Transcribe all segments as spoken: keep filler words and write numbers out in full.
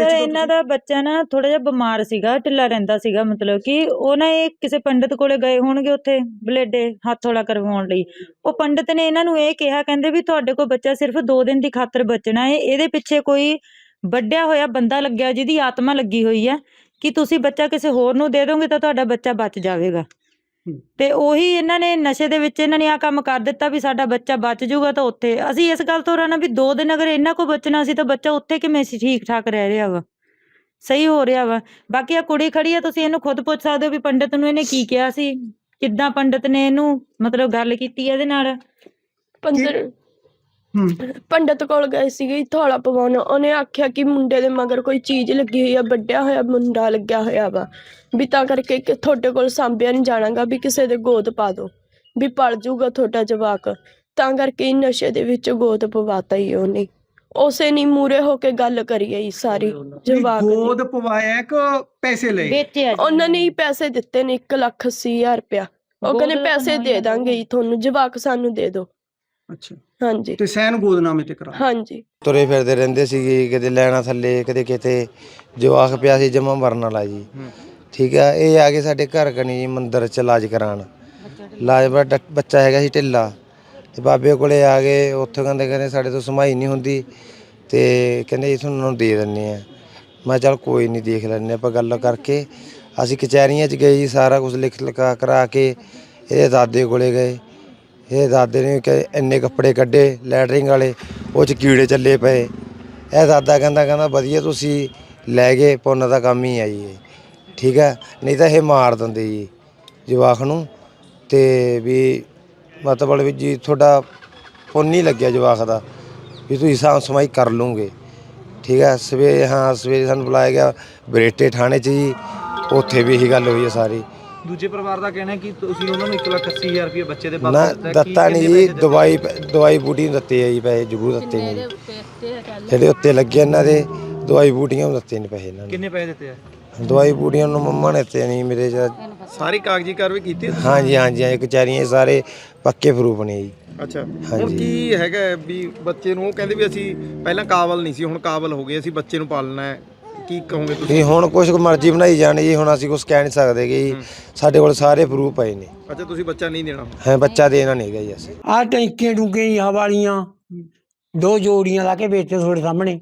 ਇਹਨਾਂ ਦਾ ਬੱਚਾ ਨਾ ਥੋੜਾ ਜਿਹਾ ਬਿਮਾਰ ਸੀਗਾ, ਢਿੱਲਾ ਰਹਿੰਦਾ ਸੀਗਾ, ਮਤਲਬ ਕਿ ਉਹ ਨਾ ਇਹ ਕਿਸੇ ਪੰਡਿਤ ਕੋਲੇ ਗਏ ਹੋਣਗੇ ਉੱਥੇ ਬਲੇਡੇ ਹੱਥ ਹੌਲਾ ਕਰਵਾਉਣ ਲਈ। ਉਹ ਪੰਡਿਤ ਨੇ ਇਹਨਾਂ ਨੂੰ ਇਹ ਕਿਹਾ, ਕਹਿੰਦੇ ਵੀ ਤੁਹਾਡੇ ਕੋਲ ਬੱਚਾ ਸਿਰਫ ਦੋ ਦਿਨ ਦੀ ਖਾਤਰ ਬਚਣਾ ਹੈ, ਇਹਦੇ ਪਿੱਛੇ ਕੋਈ ਵੱਡਿਆ ਹੋਇਆ ਬੰਦਾ ਲੱਗਿਆ ਜਿਹਦੀ ਆਤਮਾ ਲੱਗੀ ਹੋਈ ਹੈ ਕਿ ਤੁਸੀਂ ਬੱਚਾ ਕਿਸੇ ਹੋਰ ਨੂੰ ਦੇ ਦੋਗੇ ਤਾਂ ਤੁਹਾਡਾ ਬੱਚਾ ਬਚ ਜਾਵੇਗਾ। ਤੇ ਉਹੀ ਇਹਨਾਂ ਨੇ ਨਸ਼ੇ ਦੇ ਵਿੱਚ ਇਹਨਾਂ ਨੇ ਆਹ ਕੰਮ ਕਰ ਦਿੱਤਾ ਵੀ ਸਾਡਾ ਬੱਚਾ ਬਚ ਜਾਊਗਾ। ਤਾਂ ਉੱਥੇ ਅਸੀਂ ਇਸ ਗੱਲ ਤੋਂ ਰਹਿਣਾ ਵੀ ਦੋ ਦਿਨ ਅਗਰ ਇਹਨਾਂ ਕੋਲ ਬਚਣਾ ਸੀ ਤਾਂ ਬੱਚਾ ਉੱਥੇ ਕਿਵੇਂ ਸੀ ਠੀਕ ਠਾਕ ਰਹਿ ਰਿਹਾ ਵਾ, ਸਹੀ ਹੋ ਰਿਹਾ ਵਾ। ਬਾਕੀ ਆ ਕੁੜੀ ਖੜੀ ਆ, ਤੁਸੀਂ ਇਹਨੂੰ ਖੁਦ ਪੁੱਛ ਸਕਦੇ ਹੋ ਵੀ ਪੰਡਿਤ ਨੂੰ ਇਹਨੇ ਕੀ ਕਿਹਾ ਸੀ, ਕਿੱਦਾਂ ਪੰਡਿਤ ਨੇ ਇਹਨੂੰ ਮਤਲਬ ਗੱਲ ਕੀਤੀ ਇਹਦੇ ਨਾਲ। ਪੰਡਿਤ ਪੰਡਿਤ ਕੋਲ ਗਏ ਸੀਗੇ ਥੋੜਾ ਪਵਾਉਣ, ਉਹਨੇ ਆਖਿਆ ਕਿ ਮੁੰਡੇ ਦੇ ਮਗਰ ਕੋਈ ਚੀਜ਼ ਲੱਗੀ ਹੋਈ ਆ, ਵੱਡਿਆ ਹੋਇਆ ਮੁੰਡਾ ਲੱਗਿਆ ਹੋਇਆ ਵਾ, ਵੀ ਤਾਂ ਕਰਕੇ ਕਿ ਤੁਹਾਡੇ ਕੋਲ ਸਾਂਭਿਆ ਨਹੀਂ ਜਾਣਾਗਾ, ਵੀ ਕਿਸੇ ਦੇ ਗੋਦ ਪਾ ਦੋ ਵੀ ਪਲ ਜੂਗਾ ਤੁਹਾਡਾ ਜਵਾਕ। ਤਾਂ ਕਰਕੇ ਨਸ਼ੇ ਦੇ ਵਿੱਚ ਗੋਦ ਪਵਾਤਾ ਹੀ ਉਹਨੇ, ਉਸੇ ਨਹੀਂ ਮੂਰੇ ਹੋ ਕੇ ਗੱਲ ਕਰੀ ਆਈ ਸਾਰੀ ਜਵਾਕ ਦੀ। ਗੋਦ ਪਵਾਇਆ ਕਿ ਪੈਸੇ ਲਏ? ਉਹਨਾਂ ਨੇ ਹੀ ਪੈਸੇ ਦਿੱਤੇ ਨੇ ਇੱਕ ਲੱਖ ਅੱਸੀ ਹਜ਼ਾਰ ਰੁਪਇਆ। ਉਹ ਕਹਿੰਦੇ ਪੈਸੇ ਦੇ ਦਾਂਗੇ ਤੁਹਾਨੂੰ, ਜਵਾਕ ਸਾਨੂੰ ਦੇ ਦੋ। ਅੱਛਾ ਹਾਂਜੀ ਤੇ ਸੈਨ ਗੋਦਨਾਮੇ ਤੇ ਕਰਾ? ਹਾਂਜੀ। ਤੁਰੇ ਫਿਰਦੇ ਰਹਿੰਦੇ ਸੀਗੇ, ਕਿਤੇ ਲੈਣਾ ਥੱਲੇ, ਕਦੇ ਕਿਤੇ ਜਵਾਕ ਪਿਆ ਸੀ ਜਮਾ ਮਰਨ ਵਾਲਾ ਜੀ। ਠੀਕ ਆ, ਇਹ ਆ ਕੇ ਸਾਡੇ ਘਰ ਕਨੀ ਜੀ ਮੰਦਿਰ ਚ ਇਲਾਜ ਕਰਾਉਣ। ਇਲਾਜ ਬੜਾ ਬੱਚਾ ਹੈਗਾ ਸੀ ਢਿੱਲਾ, ਤੇ ਬਾਬੇ ਕੋਲੇ ਆ ਗਏ। ਉੱਥੇ ਕਹਿੰਦੇ ਕਹਿੰਦੇ ਸਾਡੇ ਤੋਂ ਸਮਾਈ ਨਹੀਂ ਹੁੰਦੀ, ਤੇ ਕਹਿੰਦੇ ਜੀ ਤੁਹਾਨੂੰ ਦੇ ਦਿੰਦੇ ਆ। ਮੈਂ ਚੱਲ ਕੋਈ ਨਹੀਂ ਦੇਖ ਲੈਂਦੇ ਆਪਾਂ ਗੱਲ ਕਰਕੇ। ਅਸੀਂ ਕਚਹਿਰੀਆਂ 'ਚ ਗਏ ਜੀ, ਸਾਰਾ ਕੁਝ ਲਿਖ ਲਿਖਾ ਕਰਾ ਕੇ ਇਹਦੇ ਦਾਦੇ ਕੋਲੇ ਗਏ। ਇਹ ਦਾਦੇ ਨੇ ਕਿ ਇੰਨੇ ਕੱਪੜੇ ਕੱਢੇ ਲੈਟਰਿੰਗ ਵਾਲੇ, ਉਹ 'ਚ ਕੀੜੇ ਚੱਲੇ ਪਏ। ਇਹ ਦਾਦਾ ਕਹਿੰਦਾ ਕਹਿੰਦਾ ਵਧੀਆ ਤੁਸੀਂ ਲੈ ਗਏ, ਪੁੰਨ ਦਾ ਕੰਮ ਹੀ ਆ ਜੀ ਇਹ, ਠੀਕ ਹੈ, ਨਹੀਂ ਤਾਂ ਇਹ ਮਾਰ ਦਿੰਦੇ ਜੀ ਜਵਾਕ ਨੂੰ। ਤੇ ਵੀ ਮਤਲਬ ਵੀ ਜੀ ਤੁਹਾਡਾ ਪੁੰਨ ਨਹੀਂ ਲੱਗਿਆ ਜਵਾਕ ਦਾ, ਵੀ ਤੁਸੀਂ ਸਾਂਭ ਸਮਾਈ ਕਰ ਲੂੰਗੇ, ਠੀਕ ਹੈ। ਸਵੇਰੇ ਹਾਂ ਸਵੇਰੇ ਸਾਨੂੰ ਬੁਲਾਇਆ ਗਿਆ ਬਰੇਟੇ ਥਾਣੇ 'ਚ ਜੀ, ਉੱਥੇ ਵੀ ਇਹੀ ਗੱਲ ਹੋਈ ਹੈ ਸਾਰੀ। ਦੂਜੇ ਪਰਿਵਾਰ ਦਾ ਕਹਿਣਾ ਕਿ ਤੁਸੀਂ ਉਹਨਾਂ ਨੂੰ ਇੱਕ ਲੱਖ ਅੱਸੀ ਹਜ਼ਾਰ ਰੁਪਏ ਬੱਚੇ ਦੇ ਨਾ ਪਾਪਾ ਦਿੱਤਾ ਨਹੀਂ ਜੀ, ਦਵਾਈ ਦਵਾਈ ਬੂਟੀ ਨੂੰ ਦਿੱਤੇ ਆ ਜੀ ਪੈਸੇ, ਜ਼ਰੂਰ ਦਿੱਤੇ ਨੇ ਜਿਹੜੇ ਉੱਤੇ ਲੱਗੇ ਇਹਨਾਂ ਦੇ, ਦਵਾਈ ਬੂਟੀਆਂ ਨੂੰ ਦਿੱਤੇ ਨੇ ਪੈਸੇ ਇਹਨਾਂ ਨੇ। ਕਿੰਨੇ ਪੈਸੇ ਦਿੱਤੇ ਆ? ਦਵਾਈ ਬੂਟੀਆਂ ਨੂੰ ਮੰਮਾ ਨੇ ਦਿੱਤੇ ਨਹੀਂ ਮੇਰੇ ਚ। ਸਾਰੀ ਕਾਗਜ਼ੀ ਕਾਰਵਾਈ ਕੀਤੀ? ਹਾਂਜੀ ਹਾਂਜੀ ਹਾਂਜੀ, ਕਚਹਿਰੀਆਂ ਸਾਰੇ ਪੱਕੇ ਪ੍ਰੂਫ ਨੇ ਜੀ। ਅੱਛਾ, ਹੁਣ ਕੀ ਹੈਗਾ ਵੀ ਬੱਚੇ ਨੂੰ ਉਹ ਕਹਿੰਦੇ ਵੀ ਅਸੀਂ ਪਹਿਲਾਂ ਕਾਬਲ ਨਹੀਂ ਸੀ, ਹੁਣ ਕਾਬਲ ਹੋ ਗਏ, ਅਸੀਂ ਬੱਚੇ ਨੂੰ ਪਾਲਣਾ ਹੈ, ਕੀ ਕਹੋਗੇ ਤੁਸੀਂ? ਹੁਣ ਕੁਛ ਮਰਜ਼ੀ ਬਣਾਈ ਜਾਣੀ ਜੀ, ਹੁਣ ਅਸੀਂ ਕੁਛ ਕਹਿ ਨਹੀਂ ਸਕਦੇ ਜੀ, ਸਾਡੇ ਕੋਲ ਸਾਰੇ ਪ੍ਰੂਫ ਪਏ ਨੇ। ਅੱਛਾ, ਤੁਸੀਂ ਬੱਚਾ ਨਹੀਂ ਦੇਣਾ? ਹਾਂ, ਬੱਚਾ ਦੇਣਾ ਨਹੀਂ ਹੈਗਾ ਜੀ ਅਸੀਂ। ਆਹ ਟੈਂਕੀਆਂ ਟੂਕੀਆਂ ਹਵਾ ਵਾਲੀਆਂ ਦੋ ਜੋੜੀਆਂ ਲਾ ਕੇ ਵੇਚਦੇ ਤੁਹਾਡੇ ਸਾਹਮਣੇ।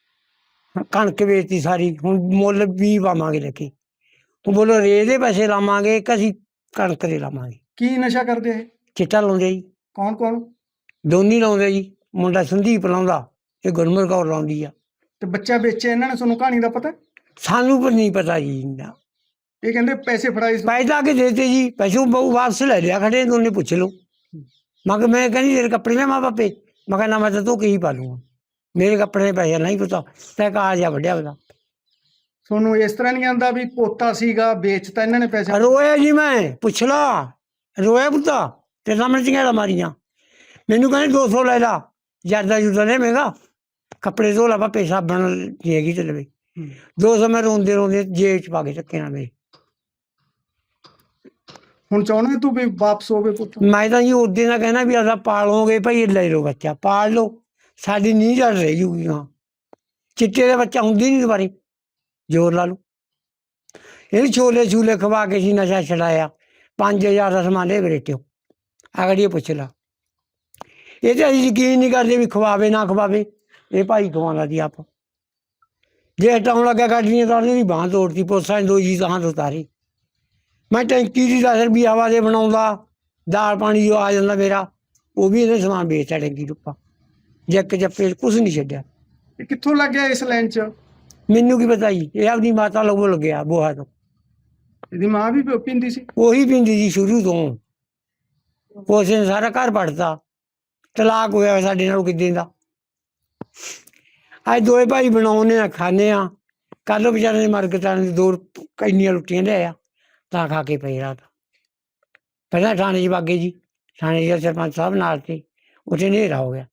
ਕਣਕ ਵੇਚਤੀ ਸਾਰੀ, ਹੁਣ ਮੁੱਲ ਵੀ ਪਾਵਾਂਗੇ ਲੱਕੀ। ਉਹ ਬੋਲੋ ਰੇ ਦੇ ਪੈਸੇ ਲਾਵਾਂਗੇ ਕਿ ਅਸੀਂ ਕਣਕ ਦੇ ਲਾਵਾਂਗੇ। ਕੀ ਨਸ਼ਾ ਕਰਦੇ ਇਹ? ਚਿੱਟਾ ਲਾਉਂਦੇ ਜੀ। ਕੌਣ ਕੌਣ? ਦੋਨੀ ਲਾਉਂਦੇ ਜੀ, ਮੁੰਡਾ ਸੰਦੀਪ ਲਾਉਂਦਾ, ਇਹ ਗੁਰਮਰ ਕੌਰ ਲਾਉਂਦੀ ਆ। ਤੇ ਬੱਚਾ ਵੇਚਿਆ ਇਹਨਾਂ ਨੇ, ਤੁਹਾਨੂੰ ਕਹਾਣੀ ਦਾ ਪਤਾ? ਸਾਨੂੰ ਪਰ ਨਹੀਂ ਪਤਾ ਜੀ ਇੰਨਾ। ਇਹ ਕਹਿੰਦੇ ਪੈਸੇ ਫੜਾਏ ਸੀ। ਪੈਸੇ ਲਾ ਕੇ ਦੇਤੇ ਜੀ, ਪੈਸੇ ਬਹੁ ਵਾਪਸ ਲੈ ਲਿਆ ਖੜੇ, ਦੋਨੇ ਪੁੱਛ ਲਓ। ਮੈਂ ਕਿਹਾ ਮੈਂ ਕਹਿੰਦੀ ਤੇਰੇ ਕੱਪੜੇ ਲੈ ਮਾਂ ਬਾਪੇ, ਮੈਂ ਕਿਹਾ ਨਾ ਮੈਂ ਤਾਂ ਤੂੰ ਕੀ ਪਾ ਲੂੰਗਾ, ਮੇਰੇ ਕੱਪੜੇ ਦੇ ਪੈਸੇ ਨਹੀਂ ਪਤਾ ਤੈ ਕਾ ਜਾ ਵੱਡਿਆ ਉਹਦਾ। ਤੁਹਾਨੂੰ ਇਸ ਤਰ੍ਹਾਂ ਨਹੀਂ ਆਉਂਦਾ ਵੀ ਪੋਤਾ ਸੀਗਾ ਵੇਚਤਾ ਇਹਨਾਂ ਨੇ ਪੈਸੇ? ਰੋਇਆ ਜੀ, ਮੈਂ ਪੁੱਛ ਲਾ ਰੋਇਆ ਪੁੱਤਾ, ਤੇ ਸਾਹਮਣੇ ਚੰਗਿਆੜਾ ਮਾਰੀਆਂ। ਮੈਨੂੰ ਕਹਿੰਦੇ ਦੋ ਸੌ ਲੈ ਲਾ, ਜਰਦਾ ਜੁਰਦਾ ਲੈ ਮਹਿੰਗਾ, ਕੱਪੜੇ ਧੋ ਲਾ ਪਾਪੇ, ਸਾਬਣ ਹੈਗੀ ਤੇ ਲਵੇ। ਦੋ ਸੌ ਮੈਂ ਰੋਂਦੇ ਰੋਂਦੇ ਜੇਬ ਚ ਪਾ ਕੇ ਚੱਕੇ ਨਾ ਮੇਰੇ। ਹੁਣ ਚਾਹੁੰਦਾ ਤੂੰ ਵੀ ਵਾਪਸ ਹੋਵੇ ਪੁੱਤ? ਮੈਂ ਤਾਂ ਜੀ ਉਦੋਂ ਦਾ ਕਹਿਣਾ ਵੀ ਅਸਾਂ ਪਾਲੋਗੇ ਭਾਈ, ਲੈ ਲਓ ਬੱਚਾ, ਪਾਲ ਲਓ, ਸਾਡੀ ਨੀਂਹ ਜੜ ਰਹਿ ਜੂਗੀ। ਹਾਂ, ਚਿੱਟੇ ਦਾ ਬੱਚਾ ਹੁੰਦੀ ਨਹੀਂ ਦੁਬਾਰੇ, ਜ਼ੋਰ ਲਾ ਲਓ। ਇਹ ਛੋਲੇ ਛੂਲੇ ਖਵਾ ਕੇ ਸੀ ਨਸ਼ਾ ਛਡਾਇਆ, ਪੰਜ ਹਜ਼ਾਰ ਦਾ ਸਮਾਨ ਲੈ ਬਰੇਟਿਓ ਅਗੜੀ ਪੁੱਛ ਲਾ। ਇਹ ਤਾਂ ਅਸੀਂ ਯਕੀਨ ਨਹੀਂ ਕਰਦੇ ਵੀ ਖਵਾਵੇ ਨਾ ਖਵਾਵੇ, ਇਹ ਭਾਈ ਖਵਾਉਂਦਾ ਸੀ ਆਪ। ਜੇ ਹਟਾਉਣ ਲੱਗਾ ਗੱਡੀਆਂ ਤਾਂ ਉਹਦੀ ਬਾਂਹ ਤੋੜਤੀ, ਪੁਲਿਸਾਂ ਨੇ ਦੋ ਜੀ ਤਾਂ ਉਤਾਰੀ। ਮੈਂ ਟੈਂਕੀ ਦੀ ਦਸ ਰੁਪਈਏ ਹਵਾ ਦੇ ਬਣਾਉਂਦਾ, ਦਾਲ ਪਾਣੀ ਜੋ ਆ ਜਾਂਦਾ ਮੇਰਾ, ਉਹ ਵੀ ਇਹਨੇ ਸਮਾਨ ਵੇਚਦਾ ਟੈਂਕੀ ਰੁੱਪਾ, ਜੱਕ ਜੱਪੇ ਕੁਛ ਨਹੀਂ ਛੱਡਿਆ। ਇਹ ਕਿੱਥੋਂ ਲੱਗ ਗਿਆ ਇਸ ਲਾਈਨ 'ਚ? ਮੈਨੂੰ ਕੀ ਪਤਾ ਜੀ, ਇਹ ਆਪਣੀ ਮਾਤਾ ਲੋਗੋਂ ਲੱਗਿਆ ਬੋਹਾ ਤੋਂ। ਇਹਦੀ ਮਾਂ ਵੀ ਪੀਂਦੀ ਸੀ? ਉਹੀ ਪੀਂਦੀ ਸੀ ਸ਼ੁਰੂ ਤੋਂ, ਉਸ ਨੇ ਸਾਰਾ ਘਰ ਪੜਤਾ, ਤਲਾਕ ਹੋਇਆ ਸਾਡੇ ਨਾਲ ਕਿੱਦਾਂ ਦਾ। ਅੱਜ ਦੋਏ ਭਾਈ ਬਣਾਉਂਦੇ ਆ, ਖਾਂਦੇ ਆ। ਕੱਲ੍ਹ ਵਿਚਾਰੇ ਨੇ ਮਰਗਤਾਂ ਨੇ ਦੋ ਇੰਨੀਆਂ ਰੋਟੀਆਂ ਲਿਆਇਆ ਤਾਂ ਖਾ ਕੇ ਪਏ ਰਾਤ। ਪਹਿਲਾਂ ਥਾਣੇ 'ਚ ਬਾਗੇ ਜੀ, ਥਾਣੇ 'ਚ ਸਰਪੰਚ ਸਾਹਿਬ ਨਾਲ ਤੇ ਉੱਥੇ ਹਨੇਰਾ ਹੋ ਗਿਆ।